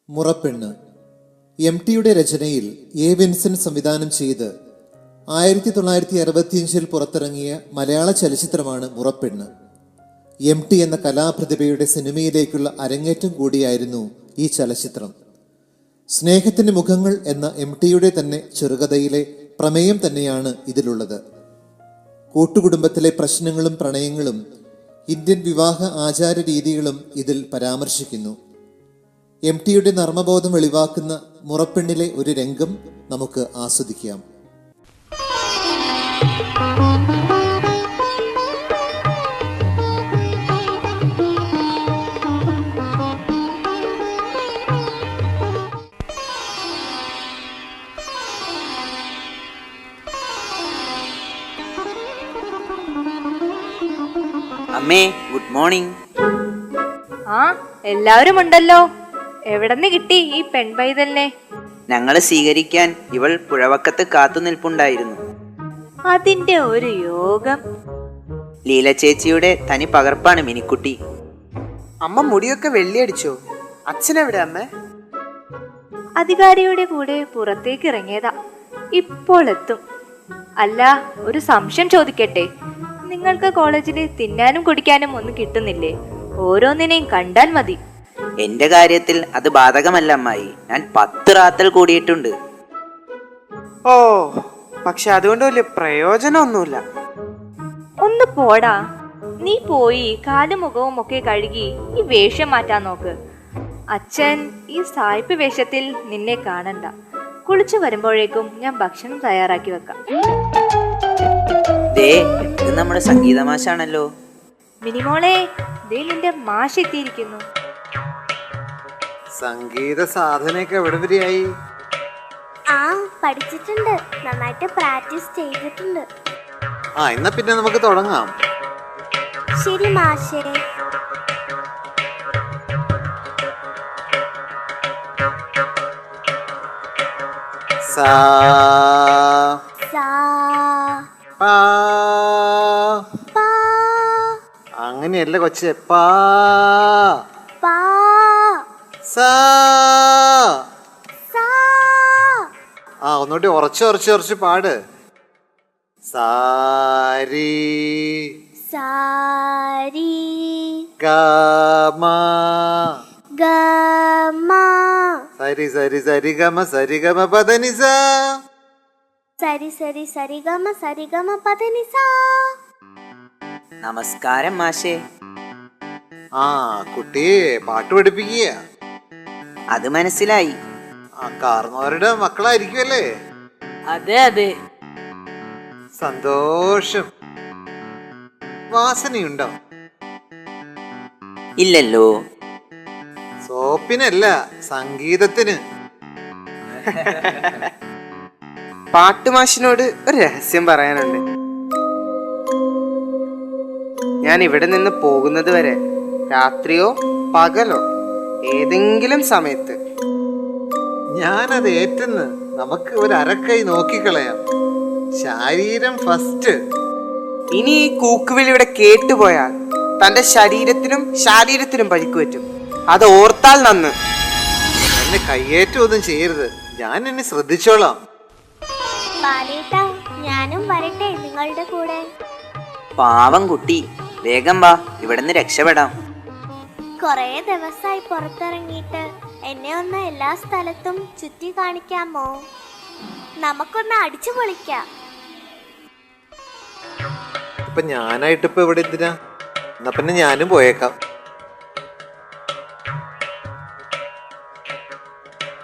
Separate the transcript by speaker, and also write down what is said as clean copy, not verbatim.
Speaker 1: മുറപ്പെണ്ണ് എം.ടിയുടെ രചനയിൽ A. Vincent സംവിധാനം ചെയ്ത് 1965 പുറത്തിറങ്ങിയ മലയാള ചലച്ചിത്രമാണ് മുറപ്പെണ്ണ്. എം.ടി എന്ന കലാപ്രതിഭയുടെ സിനിമയിലേക്കുള്ള അരങ്ങേറ്റം കൂടിയായിരുന്നു ഈ ചലച്ചിത്രം. സ്നേഹത്തിന്റെ മുഖങ്ങൾ എന്ന എം.ടിയുടെ തന്നെ ചെറുകഥയിലെ പ്രമേയം തന്നെയാണ് ഇതിലുള്ളത്. കൂട്ടുകുടുംബത്തിലെ പ്രശ്നങ്ങളും പ്രണയങ്ങളും ഇന്ത്യൻ വിവാഹ ആചാര രീതികളും ഇതിൽ പരാമർശിക്കുന്നു. എം.ടിയുടെ നർമ്മബോധം വെളിവാക്കുന്ന മുറപ്പെണ്ണിലെ ഒരു രംഗം നമുക്ക് ആസ്വദിക്കാം.
Speaker 2: അമ്മേ, ഗുഡ് മോർണിംഗ്.
Speaker 3: ആ, എല്ലാവരും ഉണ്ടല്ലോ. എവിടെന്ന് കിട്ടി ഈ പെൺപൈതലിനെ?
Speaker 2: ഞങ്ങളെ സ്വീകരിക്കാൻ ഇവൾ പുഴവക്കത്ത് കാത്തു നിൽപ്പുണ്ടായിരുന്നു.
Speaker 3: അതിന്റെ ഒരു യോഗം.
Speaker 2: ലീല ചേച്ചിയുടെ തനി പകർപ്പാണ് മിനിക്കുട്ടി.
Speaker 4: അമ്മ മുടിയൊക്കെ വെള്ളിയടിച്ചോ? അച്ഛനെവിടെ അമ്മ?
Speaker 3: അധികാരിയുടെ കൂടെ പുറത്തേക്ക് ഇറങ്ങിയതാ, ഇപ്പോൾ എത്തും. അല്ല, ഒരു സംശയം ചോദിക്കട്ടെ, നിങ്ങൾക്ക് കോളേജിൽ തിന്നാനും കുടിക്കാനും ഒന്നും കിട്ടുന്നില്ലേ? ഓരോന്നിനെയും കണ്ടാൽ മതി.
Speaker 2: എന്റെ കാര്യത്തിൽ അത് ബാധകമല്ല അമ്മായി. ഞാൻ 10 റാത്തൽ കൂടിയിട്ടുണ്ട്.
Speaker 4: ഓ, പക്ഷെ അതുകൊണ്ട് വലിയ പ്രയോജനമൊന്നുമില്ല.
Speaker 3: ഒന്ന് പോടാ. നീ പോയി കാലും മുഖവും ഒക്കെ കഴുകി ഈ വേഷം മാറ്റാൻ നോക്ക്. അച്ഛൻ ഈ സായിപ്പ് വേഷത്തിൽ നിന്നെ കാണണ്ട. കുളിച്ചു വരുമ്പോഴേക്കും ഞാൻ ഭക്ഷണം തയ്യാറാക്കി വെക്കാം.
Speaker 2: ദേ, ഇത് നമ്മുടെ സംഗീത മാഷാണല്ലോ.
Speaker 3: മിനിമോളെ, ദേ നിന്റെ മാഷ് എത്തിയിരിക്കുന്നു.
Speaker 1: സംഗീത സാധനയൊക്കെ എവിടെ വരെയായി?
Speaker 5: പഠിച്ചിട്ടുണ്ട്, നന്നായിട്ട് പ്രാക്ടീസ് ചെയ്തിട്ടുണ്ട്.
Speaker 1: എന്നാ പിന്നെ നമുക്ക് തുടങ്ങാം.
Speaker 5: ശരി മാഷേ.
Speaker 1: സാ
Speaker 5: സാ
Speaker 1: പാ.
Speaker 5: പാ
Speaker 1: അങ്ങനെയല്ല കൊച്ചേ, പാ
Speaker 5: പാ
Speaker 1: സാ.
Speaker 5: സാ.
Speaker 1: ഒന്നുകൂടി ഉറച്ച് പാട്. സാരി
Speaker 5: സാരി
Speaker 1: ഗമ
Speaker 5: ഗമ
Speaker 1: സരി സരി സരി ഗമ സരി ഗമ പദനി സാ.
Speaker 5: സരി സരി സരി ഗമ സരി ഗമ പദനി സാ.
Speaker 2: നമസ്കാരം മാഷേ.
Speaker 1: കുട്ടിയെ പാട്ട് പഠിപ്പിക്കുക.
Speaker 2: അത് മനസ്സിലായി.
Speaker 1: കാർന്നവരുടെ മക്കളായിരിക്കുമല്ലേ?
Speaker 2: അതെ അതെ.
Speaker 1: സന്തോഷം. വാസനയുണ്ടോ?
Speaker 2: ഇല്ലല്ലോ.
Speaker 1: സോപ്പിനല്ല, സംഗീതത്തിന്.
Speaker 4: പാട്ടുമാഷിനോട് ഒരു രഹസ്യം പറയാനുണ്ട്. ഞാൻ ഇവിടെ നിന്ന് പോകുന്നത് വരെ രാത്രിയോ പകലോ ഏതെങ്കിലും സമയത്ത്
Speaker 1: ഞാനത് ഏറ്റുന്ന്. നമുക്ക് ഒരു അരക്കൈ നോക്കിക്കളയാം. ശരീരം ഫസ്റ്റ്.
Speaker 4: ഇനി ഈ കൂക്കുവിളി ഇവിടെ കേട്ടുപോയാൽ തന്റെ ശരീരത്തിനും പരിക്കു പറ്റും. അത് ഓർത്താൽ നന്ന്.
Speaker 1: എന്നെ കയ്യേറ്റമൊന്നും ചെയ്യരുത്. ഞാൻ എന്നെ ശ്രദ്ധിച്ചോളാം.
Speaker 5: ബാലേട്ടാ, ഞാനും വരട്ടെ നിങ്ങളുടെ കൂടെ?
Speaker 2: പാവം കുട്ടി, വേഗം വാ, ഇവിടുന്ന് രക്ഷപ്പെടാം.
Speaker 5: കൊറേ ദിവസമായി പുറത്തിറങ്ങിയിട്ട് എന്നെ ഒന്ന് എല്ലാ സ്ഥലത്തും ചുറ്റി കാണിക്കാമോ? നമുക്കൊന്ന് അടിച്ചു പൊളിക്കാം.
Speaker 1: ഞാനായിട്ടിപ്പോ ഇവിടെ എന്തിനാ? എന്നാ പിന്നെ ഞാനും പോയേക്കാം.